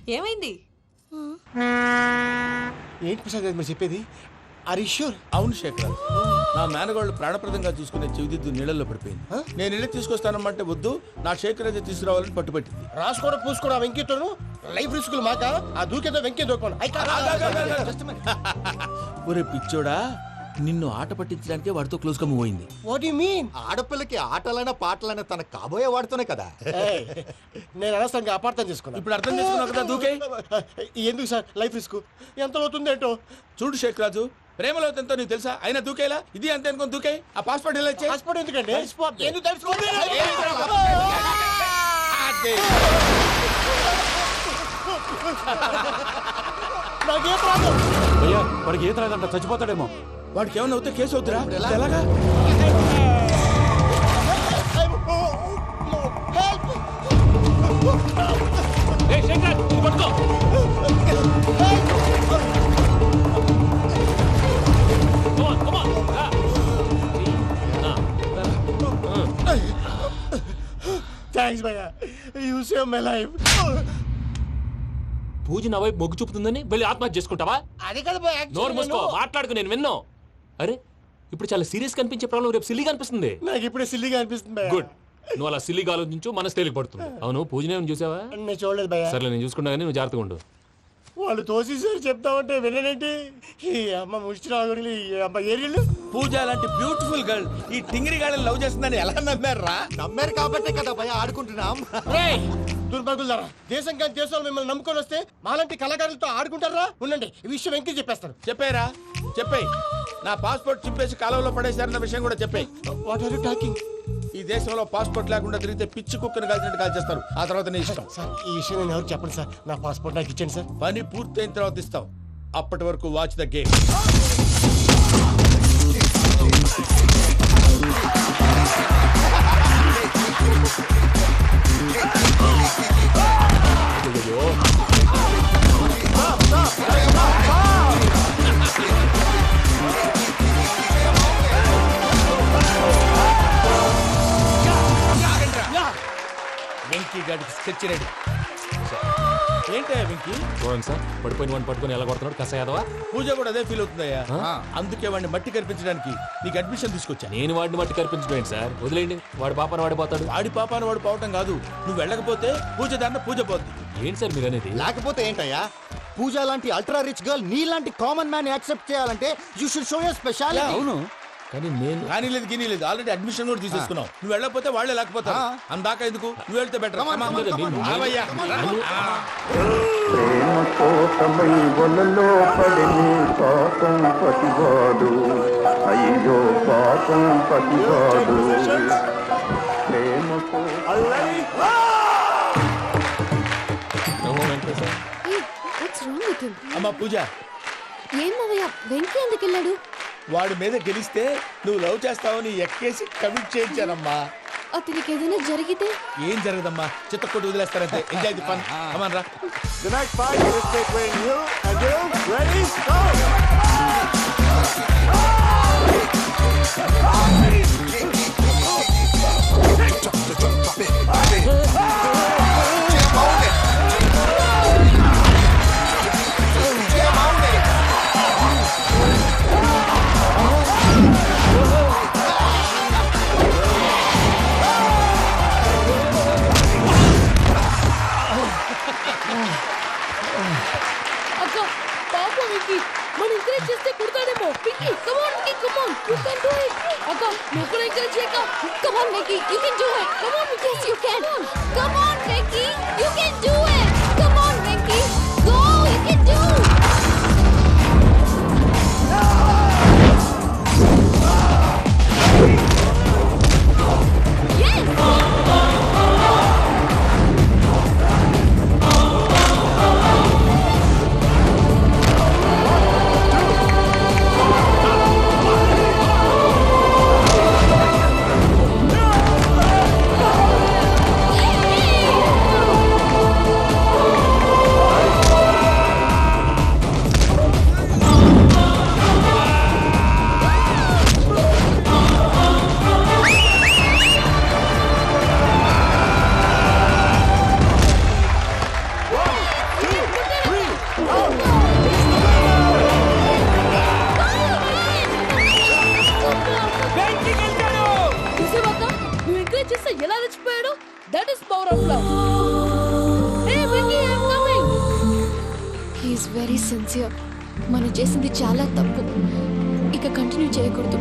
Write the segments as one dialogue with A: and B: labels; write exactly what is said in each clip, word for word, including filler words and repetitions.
A: ఏమైంది?
B: ఏంటి ప్రసాద్ మీరు చెప్పేది? Are you sure?
C: అవును శేఖర్, నా మేనగాళ్ళు ప్రాణప్రదంగా చూసుకునే చెవిదిద్దు నీళ్ళల్లో పడిపోయింది. నేను ఇళ్ళకి తీసుకొస్తానమ్మంటే వద్దు, నా శేఖర్ అయితే తీసుకురావాలని పట్టుబట్టింది.
B: రాసుకోవడం పూసుకోవడం వెంకీతోను లైఫ్ రిస్కులు మాక. ఆ దూకేదో వెంకీ దూకోండి.
C: ఒరే పిచ్చోడా, నిన్ను ఆట పట్టించడానికే వాడితో క్లోజ్ గా మూవ్ అయింది.
B: What you mean?
D: ఆడపిల్లకి ఆటలైనా పాటలైనా తన కాబోయే వాడుతూనే కదా.
B: నేను అనవసరంగా అపార్థం చేసుకున్నా.
C: ఇప్పుడు అర్థం చేసుకున్నావు కదా దూకే.
B: ఎందుకు సార్ లైఫ్ రిస్క్? ఎంత అవుతుంది ఏంటో
C: చూడు శేఖ్ రాజు, ప్రేమలో ఎంతో నీకు తెలుసా? అయినా దూకేలా ఇది అంతే అనుకుని దూకే. ఆ పాస్పోర్ట్ ఎలా ఇచ్చే?
B: పాస్పోర్ట్ ఎందుకండి? ఎందుకు తెలుసుకోండి. నాకేం ప్రాబ్లం?
E: అయ్యా వాడికి ఈత రాదంట, చచ్చిపోతాడేమో.
C: వాడికి ఏమన్నా అవుతే కేసు అవుతురా? ఎలాగా?
B: థ్యాంక్స్ భయ్యా, you save my life.
F: Pooja నా వైపు మొగ్గు చూపుతుందని వెళ్ళి ఆత్మహత్య చేసుకుంటావా?
B: అది కదా భయ్యా.
F: నోరు మూసుకో, మాట్లాడుకు, నేను విన్నాను. అరే ఇప్పుడు చాలా సీరియస్ కనిపించే ప్రాబ్లం రేపు సిల్లీగా అనిపిస్తుంది.
B: నాకు ఇప్పుడే సిల్లీగా అనిపిస్తుంది భయ్యా.
F: గుడ్, నువ్వు అలా సిల్లీగా ఆలోచించు, మనసు తేలిక పడుతుంది. అవును, పూజనే చూసావా?
B: నేను చూడలేదు భయ్యా.
F: సర్లే, నేను చూసుకున్నా కానీ నువ్వు జాగ్రత్తగా ఉండు.
B: వాళ్ళు తోసేసారు చెప్తామంటే విననేంటి? ఈ అమ్మ ముష్టి ఈ అమ్మ ఏరియలు.
C: పూజ లాంటి బ్యూటిఫుల్ గర్ల్ ఈ టింగిరి గాళ్ళని లవ్ చేస్తుందని ఎలా నమ్మారా?
D: నమ్మారు కాబట్టే కదా భయ ఆడుకుంటున్నాం.
B: దుర్భగులారా, దేశం కానీ దేశాలు మిమ్మల్ని నమ్ముకొని వస్తే మాలాంటి కళాకారులతో ఆడుకుంటారా? ఉండండి, ఈ విషయం వెంకీ చెప్పేస్తారు.
C: చెప్పారా? చెప్పేయ్. నా పాస్పోర్ట్ చింపేసి కాలువలో పడేశారన్న విషయం కూడా చెప్పేయ్.
B: What are you talking?
C: ఈ దేశంలో పాస్పోర్ట్ లేకుండా తిరిగితే పిచ్చి కుక్కను కాల్చినట్టు కాల్చేస్తారు. ఆ తర్వాత నీ ఇష్టం.
B: సార్ ఈ విషయం నేను ఎవరు చెప్పండి సార్. నా పాస్పోర్ట్ నాకు ఇచ్చండి సార్.
C: పని పూర్తయిన తర్వాత ఇస్తాం. అప్పటి వరకు వాచ్ ద గేమ్. వెంకీ గాడికి స్కెచ్ రెడీ. ఏంటయ్యా వెంకీ?
F: చూడండి సార్, పడిపోయిన వాడిని పట్టుకొని ఎలా కొడుతున్నాడు కస యాదవా.
C: పూజ కూడా అదే ఫీల్ అవుతుందయ్యా. అందుకే వాడిని మట్టి కనిపించడానికి నీకు అడ్మిషన్ తీసుకొచ్చా.
F: నేను వాడిని మట్టి కనిపించడం సార్, వదిలేండి. వాడి పాపను వాడిపోతాడు.
C: వాడి పాపాను వాడు పోవటం కాదు, నువ్వు వెళ్ళకపోతే పూజ దాన్న పూజ పోద్ది.
F: ఏంటి సార్ మీరు అనేది?
D: లేకపోతే ఏంటయ్యా, పూజ లాంటి అల్ట్రా రిచ్ గర్ల్ నీ లాంటి కామన్ మ్యాన్ యాక్సెప్ట్ చేయాలంటే you should show your speciality.
E: అవును,
F: కానీ నేను
C: కానీ లేదు గిని లేదు, ఆల్రెడీ అడ్మిషన్ కూడా తీసేసుకున్నావు. నువ్వు వెళ్ళకపోతే వాళ్ళే లేకపోతా. అందాక ఎందుకు? నువ్వు వెళ్తే బెటర్.
G: ప్రేమ కోసమై వలలో పడిని పాపం పతివాడు, అయ్యో పాపం పతివాడు. ప్రేమ
C: అమ్మా పూజ,
H: ఏం మావయ్య, వెంకీ ఎందుకు వెళ్ళాడు?
C: వాడి మీద గెలిస్తే నువ్వు లవ్ చేస్తావని ఎక్కేసి కమిట్ చేయించానమ్మా.
H: అతనికి ఏదైనా జరిగితే?
C: ఏం జరగదమ్మా, చిత్త కొట్టి వదిలేస్తారంటే. Enjoy the fun. కమాన్ రా.
D: The next fight is between you and you. Ready? Go!
H: అక్క పాప వెంకీ, మన ఎంకరేజ్ చేస్తే కుడతాడేమో. Venky come on Venky, come on, you can do it. అక్క నువ్వు కూడా ఎంకరేజ్ చేయక. Come on Venky, you can do it. Come on Venky, you can. Come on Venky, you can do it. Come on Venky, go, you can do. Sincere. మనం చేసింది చాలా తప్పు. ఇక continue చేయకూడదు.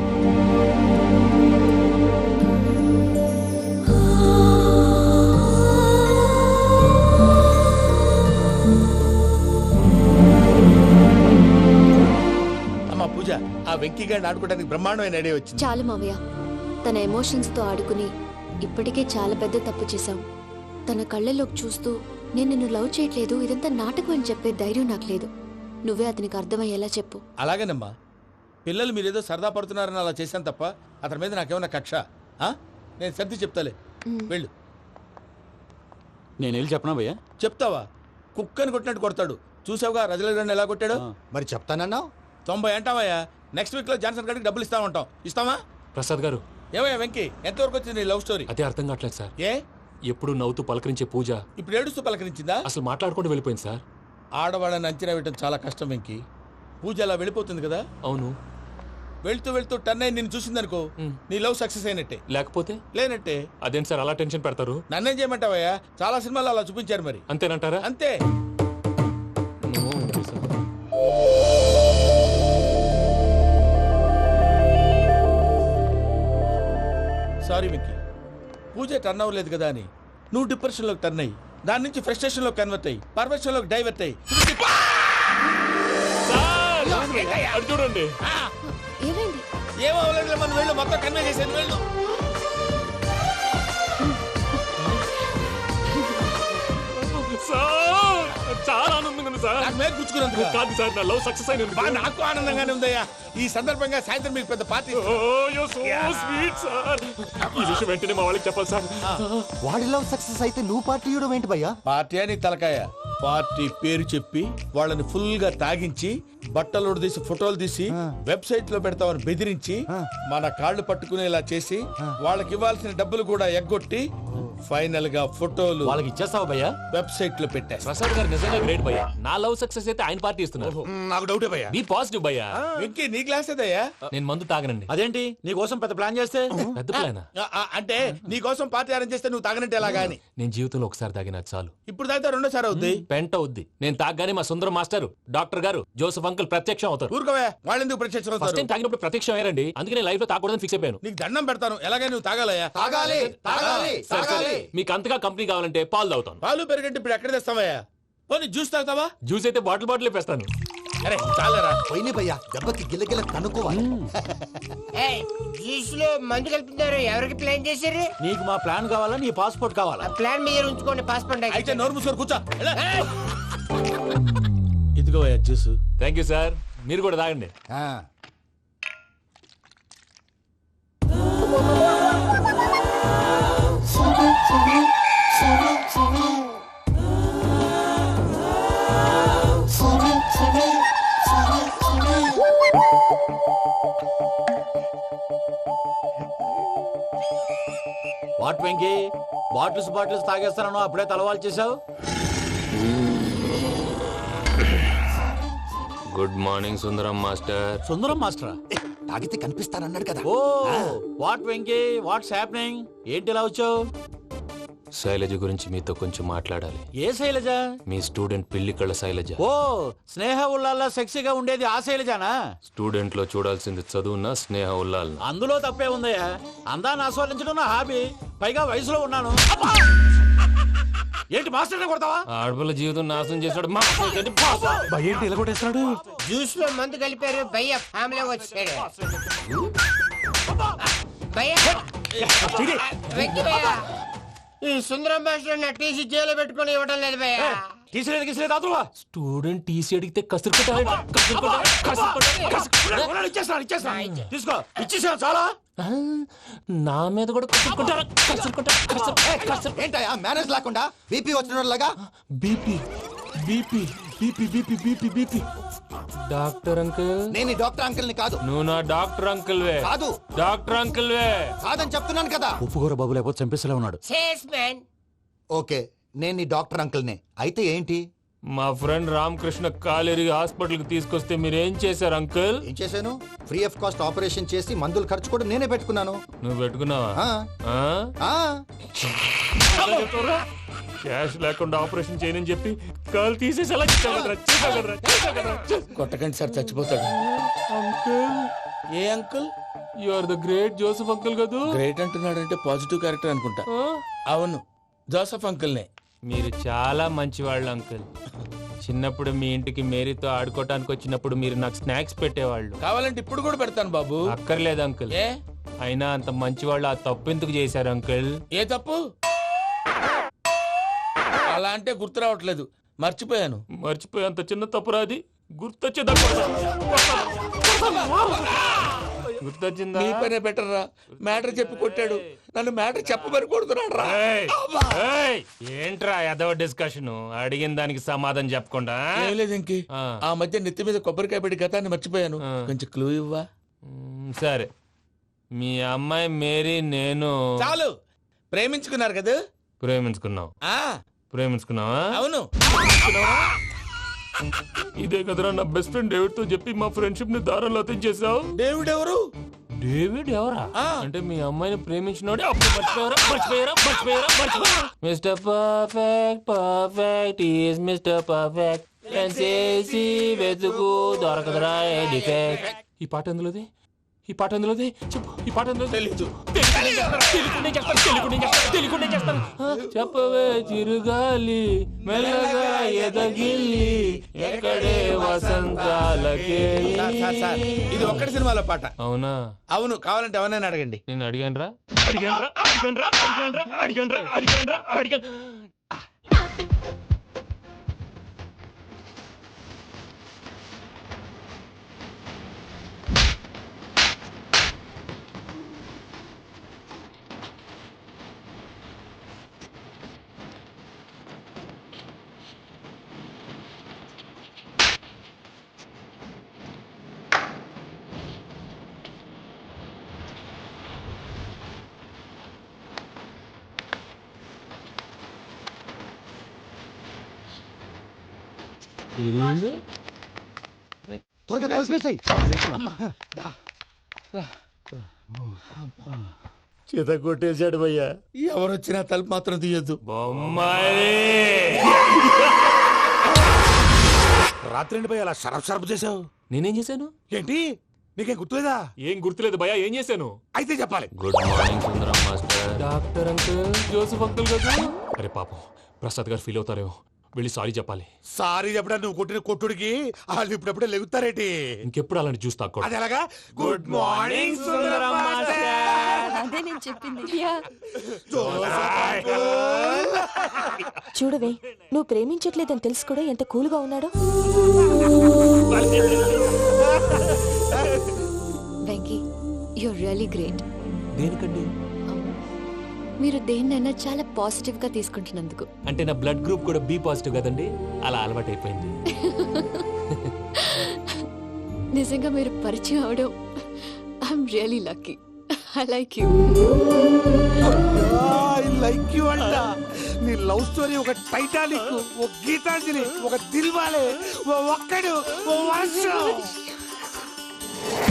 C: అమ్మా పూజ, ఆ వెంకీ గారిని ఆడుకోవడానికి బ్రహ్మాండమైన ఐడియా వచ్చింది.
H: చాలు మావయ్య, తన ఎమోషన్స్తో ఆడుకుని ఇప్పటికే చాలా పెద్ద తప్పు చేశాం. తన కళ్ళలోకి చూస్తూ నేను నిన్ను లవ్ చేయట్లేదు, ఇదంతా నాటకం అని చెప్పే ధైర్యం నాకు లేదు. నువ్వే అతనికి అర్థమయ్యేలా చెప్పు.
C: అలాగేనమ్మా, పిల్లలు మీరేదో సరదా పడుతున్నారని అలా చేశాను తప్ప అతని మీద నాకేమన్నా కక్ష? ఆ? నేను సర్ది చెప్తాలే, వెళ్ళు.
E: నేను వెళ్ళి చెప్పనా భయ్యా?
C: చెప్తావా? కుక్కని కొట్టినట్టు కొడతాడు. చూసావుగా రజలగడ్డని ఎలా కొట్టాడు?
D: మరి చెప్తానన్నావు.
C: తొంభై అంటావయ్యా. నెక్స్ట్ వీక్ లో జాన్సన్ గారికి డబ్బులు ఇస్తామంటాం. ఇస్తావా?
F: ప్రసాద్ గారు,
C: ఏమయ్యా వెంకీ, ఎంతవరకు వచ్చింది నీ లవ్ స్టోరీ?
F: అదే అర్థం కావట్లేదు సార్.
C: ఏ
F: ఎప్పుడు నవ్వుతూ పలకరించే పూజ
C: ఇప్పుడు ఏడుస్తూ పలకరించిందా?
F: అసలు మాట్లాడుకుంటూ వెళ్ళిపోయింది సార్.
C: ఆడవాళ్ళని అంచనా వేయటం చాలా కష్టం వెంకీ. పూజ అలా వెళ్ళిపోతుంది కదా.
F: అవును.
C: వెళ్తూ వెళ్తూ టర్న్ అయి నిన్ను చూసిందనుకో, నీ లవ్ సక్సెస్ అయినట్టే.
F: లేకపోతే
C: లేనట్టే.
F: అదేం సార్ అలా టెన్షన్ పెడతారు?
C: నన్నేం చేయమంటావయ్యా? చాలా సినిమాలు అలా చూపించారు మరి.
F: అంతేనంటారా?
C: అంతే. సారీ వెంకీ, పూజ టర్న్ అవ్వలేదు కదా అని నువ్వు డిప్రెషన్ లోకి టర్న్ అయ్యి దాని నుంచి ఫ్రస్ట్రేషన్ లోకి కన్వర్ట్ అయ్యి పర్వర్షన్ లోకి డైవర్ట్ అయ్యి
F: అటు చూడండి.
H: ఏమైంది?
C: ఏమో అవ్వలేదు, మనం వెళ్ళు, మొత్తం కన్వే చేసేది వెళ్ళు.
F: సార్, చాలా ఆనందంగా ఉంది సార్.
C: నాకు మీద గుచ్చుకున్నందుకు
F: కాదు సార్, నా లవ్ సక్సెస్ అయినందుకు.
C: బా, నాకు ఆనందంగానే ఉందయ్యా. ఈ సందర్భంగా సాయంత్రం మీకు పెద్ద party.
F: Oh, you're so sweet, sir. ఈ విషయం వెంటనే మా వాళ్ళకి చెప్పాలి సార్.
D: వాడి లవ్ సక్సెస్ అయితే నువ్వు పార్టీ ఇవ్వడం ఏంటి భయ్యా?
C: పార్టీ అని తలకాయ. పార్టీ పేరు చెప్పి వాళ్ళని ఫుల్ గా తాగించి బట్టలు తీసి ఫోటోలు తీసి వెబ్సైట్ లో పెడతామని బెదిరించి మన కాళ్ళు పట్టుకునేలా చేసి వాళ్ళకి ఇవ్వాల్సిన డబ్బులు కూడా ఎగ్గొట్టి ఫైనల్ గా ఫోటోలు
E: వాళ్ళకి ఇచ్చేస్తావా భయ్యా?
C: వెబ్సైట్ లో పెట్టేస్తా.
F: ప్రసాద్ గారు నిజంగా గ్రేట్ భయ్యా. నా లవ్ సక్సెస్ అయితే ఆయన పార్టీ ఇస్తున్నారు.
C: నాకు డౌటే భయ్యా.
F: బీ పాజిటివ్ భయ్యా.
C: వెంకీ, నీ గ్లాస్ ఏదయ్యా?
F: నేను మందు తాగనండి.
E: అదేంటి నీ కోసం పెద్ద ప్లాన్ చేస్తే?
F: పెద్ద ప్లానా?
C: ఆ, ఆ, అంటే నీ కోసం పార్టీ అరేంజ్ చేస్తే నువ్వు తాగనంటే ఎలాగా అని.
F: నేను జీవితంలో ఒకసారి తాగినా చాలు.
C: ఇప్పుడు తాగితే రెండోసారి అవుద్ది.
F: పెంట అవుద్ది. నేను తాగగానే మా సుందరం మాస్టర్, డాక్టర్ గారు, జోసఫ్ అంకుల్ ప్రత్యక్షం అవుతారు.
C: ఊరుకోవే, వాళ్ళు ఎందుకు ప్రత్యక్షం
F: ఫస్ట్
C: అవుతారు?
F: టైం తాగినప్పుడు ప్రత్యక్షం అయ్యారండి. అందుకే నేను లైఫ్ లో తాగకూడదని ఫిక్స్ అయిపోయాను.
C: నీకు దండం పెడతాను, ఎలాగే నువ్వు తాగాలయ్యా.
D: తాగాలి తాగాలి
F: సరే, సరే. మీకు అంతగా కంపెనీ కావాలంటే పాలు తాగుతాను.
C: పాలు పెరిగంటే ఇప్పుడు ఎక్కడ తెస్తావయ్యా? పోనీ జ్యూస్ తాగుతావా?
F: జ్యూస్ అయితే బాటిల్ బాటిల్ వేస్తాను.
C: అరే చాలరా.
D: పోయిన భయ్యా, దెబ్బకి గిల్లగిల్ల కనుక్కోవాలి.
A: జ్యూస్ లో మందు కలుపుతున్నారు. ఎవరికి ప్లాన్ చేశారు?
E: నీకు మా ప్లాన్ కావాలా, నీ పాస్పోర్ట్ కావాలా?
A: ప్లాన్ మీరు ఉంచుకోండి, పాస్పోర్ట్
C: అయితే నోరు మూసుకొని కూర్చో. ఇదిగోయా జ్యూస్.
F: Thank you sir. మీరు కూడా తాగండి.
D: ఆ.
E: వాట్ వెంకీ, బాటిల్స్ బాటిల్స్ తాగేస్తానో అప్పుడే తలవాలు చేసావు.
F: Good morning Sundaram master.
E: Sundaram మాస్టరా?
D: తాగితే కనిపిస్తానన్నాడు కదా.
E: Oh what Venky, what's happening? ఏంటి ఇలా వచ్చావు?
F: శైలజ గురించి మీతో కొంచెం మాట్లాడాలి.
E: ఏ శైలజ?
F: మీ స్టూడెంట్ పిల్లి కళ్ళ శైలజ.
E: ఓ స్నేహ ఉల్లాల్లో సెక్సీగా ఉండేది ఆ శైలజానా?
F: స్టూడెంట్ లో చూడాల్సింది చదువున స్నేహ ఉల్లాల్.
E: అందులో తప్పే ఉందయ్యా. అందాన్ని ఆస్వాదించడం నా హాబీ. పైగా వయసులో ఉన్నాను. ఏంటి మాస్టర్ కొడతావా?
F: ఆడపిల్ల జీవితం నాశనం చేశాడు.
E: ఏంటి ఇలా కొట్టేస్తున్నాడు?
A: జ్యూస్ లో మందు కలిపారు. భయ్య ఫ్యామిలీ వచ్చాడు. భయ్య వెక్కి భయ్య, ఈ సుందరం మాస్టర్ నా టీసీ జైలు పెట్టుకుని ఇవ్వడం లేదు భయ్య.
E: తీసిలేదు గీసిలేదు అతను.
F: స్టూడెంట్ టీసీ అడిగితే కసురు కొట్టాలి. కసురు కొట్టాలి. కసురు కొట్టాలి. కసురు-
E: ఇచ్చేస్తాను ఇచ్చేస్తాను తీసుకో. ఇచ్చేసాను చాలా.
F: ఆ, నా మీద కూడా కసురు కొట్టాలి. కసురు కొట్టాలి. కసురు- ఏ, కసురు-
D: ఏంటయ్యా మేనేజ్ లేకుండా బీపీ వచ్చిన లాగా?
F: BP BP BP BP BP BP doctor uncle.
D: నేను ఈ డాక్టర్ అంకుల్ ని కాదు.
F: నువ్వు నా డాక్టర్ అంకుల్ వే.
D: కాదు.
F: డాక్టర్ అంకుల్ వే.
D: కాదని చెప్తున్నాను కదా.
E: ఉప్పుకూర బాబు లేకపోతే చంపేసేలా ఉన్నాడు.
A: Sales man.
D: ఓకే, నేను ఈ డాక్టర్ అంకుల్ నే. అయితే ఏంటి?
F: మా ఫ్రెండ్ రామకృష్ణ కాలేరి హాస్పిటల్ కి తీసుకొస్తే మీరేం చేశారు అంకుల్?
D: ఏం చేశాను? ఫ్రీ ఆఫ్ కాస్ట్ ఆపరేషన్ చేసి మందులు ఖర్చు కూడా నేనే పెట్టుకున్నాను.
F: నువ్వు పెట్టుకున్నావా?
D: ఆ,
F: ఆ?
D: ఆ.
F: క్యాష్ లేకుండా ఆపరేషన్ చేయనని చెప్పి కాలు తీసేసి అలా చేసావు కదరా, చేసావు కదరా, చేసావు కదరా, చేసావు.
C: కొట్టకండి సార్ చచ్చిపోతాడు.
F: అంకుల్
C: ఏ uncle?
F: You are the great Joseph uncle కదూ.
C: గ్రేట్ అంటున్నాడంటే పాజిటివ్ క్యారెక్టర్ అనుకుంటా.
F: ఆ?
C: అవును, జోసఫ్ అంకుల్నే.
F: మీరు చాలా మంచివాళ్ళు అంకుల్. చిన్నప్పుడు మీ ఇంటికి మేరీతో ఆడుకోవటానికి వచ్చినప్పుడు మీరు నాకు స్నాక్స్ పెట్టేవాళ్ళు.
C: కావాలంటే ఇప్పుడు కూడా పెడతాను బాబు.
F: అక్కర్లేదు అంకుల్.
C: ఏ
F: అయినా అంత మంచివాళ్ళు ఆ తప్పు ఎందుకు చేశారు అంకుల్?
C: ఏ తప్పు? అలా అంటే గుర్తు రావట్లేదు, మర్చిపోయాను.
F: మర్చిపోయి అంత చిన్న తప్పురా అది. గుర్తొచ్చేదా? గుర్తొచ్చిందా?
C: నీ పనే బెటర్ రా. మ్యాటర్ చెప్పి కొట్టాడు, నన్ను మ్యాటర్ చెప్పమని కొడుతున్నాడు రా.
F: ఏయ్, ఏయ్, ఏంట్రా ఎదవ డిస్కషన్? అడిగిన దానికి సమాధానం చెప్పకుండా.
C: ఏం లేదు ఇంకి.
F: ఆ.
C: ఆ మధ్య నెత్తి మీద కొబ్బరికాయ పెట్టి గతాన్ని మర్చిపోయాను.
F: ఆ.
C: కొంచెం క్లూ ఇవ్వా?
F: మ్, సరే, మీ అమ్మాయి మేరీ నేను
C: చాలు, ప్రేమించుకున్నారు కదా.
F: ప్రేమించుకున్నావు.
C: ఆ
F: ప్రేమించుకున్నావా?
C: అవును.
F: ఇదే కదరా నా బెస్ట్ ఫ్రెండ్ డేవిడ్ తో చెప్పి మా ఫ్రెండ్షిప్ ని దారంలో అతించేసావు.
C: డేవిడ్ ఎవరు?
F: డేవిడ్ ఎవరా?
C: ఆ.
F: అంటే మీ అమ్మాయిని ప్రేమించినోడే అప్పుడు మర్చిపోయారా? మర్చిపోయారా? మర్చిపోయారా? మర్చిపోయారా? Mister perfect perfect is mister perfect చేసి వెతుకు దొరకదురా డిఫెక్ట్. ఈ పాట ఎందులోది? ఈ పాట ఎందులోది? చెప్పు, ఈ పాట ఎందులో?
C: తెలీదు.
F: చెప్పవే చిరుగాలి మెల్లగా ఎదగిల్లి ఎక్కడే వసంతాలకే.
C: సార్, సార్, సార్, ఇది ఒక్కటి సినిమాలో పాట.
F: అవునా?
C: అవును, కావాలంటే ఎవరైనా అడగండి.
F: నేను అడిగాను రా అడిగాను రా అడిగాను రా అడిగాను రా అడిగాను రా అడిగాను రా అడిగాను.
B: చేత కొట్టేశాడు భయ్యా.
C: ఎవరు వచ్చినా తలుపు మాత్రం తీయద్దు.
F: బొమ్మాయి
E: రాత్రి ఎండి పోయి అలా షరఫ్ షరఫ్ చేసావు.
F: నేనేం చేశాను?
E: ఏంటి నీకేం గుర్తులేదా?
F: ఏం గుర్తులేదు భయ్యా, ఏం చేశాను?
E: అయితే చెప్పాలి.
F: Good morning Sundaram master. Doctor uncle, Joseph uncle కదా. అరే పాపం, ప్రసాద్ గారు ఫీల్ అవుతారేమో, వెళ్ళి సారీ చెప్పాలి.
E: సారీ చెప్పడా నువ్వు కొట్టిన కొట్టుడికి వాళ్ళు ఇప్పుడప్పుడే లెగుతారేటి?
F: ఇంకెప్పుడు అలాంటి జ్యూస్ తాక్కూడదు.
E: అది ఎలాగా? Good morning Sundaram master.
H: అదే నేను చెప్పింది. చూడవే, నువ్వు ప్రేమించట్లేదని తెలుసు కూడా ఎంత కూల్గా ఉన్నాడో. Venky, you're really great.
F: దేనికండి?
H: మీరు దేన్నైనా చాలా పాజిటివ్ గా తీసుకుంటున్నందుకు.
F: అంటే నా బ్లడ్ గ్రూప్ కూడా బి పాజిటివ్ కదండి, అలా అలవాటు అయిపోయింది.
H: నిజంగా మీరు పరిచయం అవడం I'm really lucky. I like you.
E: I like you అంట. నీ లవ్ స్టోరీ ఒక టైటానిక్, ఒక గీతాంజలి, ఒక దిల్వాలే, ఓ ఒక్కడు, ఓ వర్షం.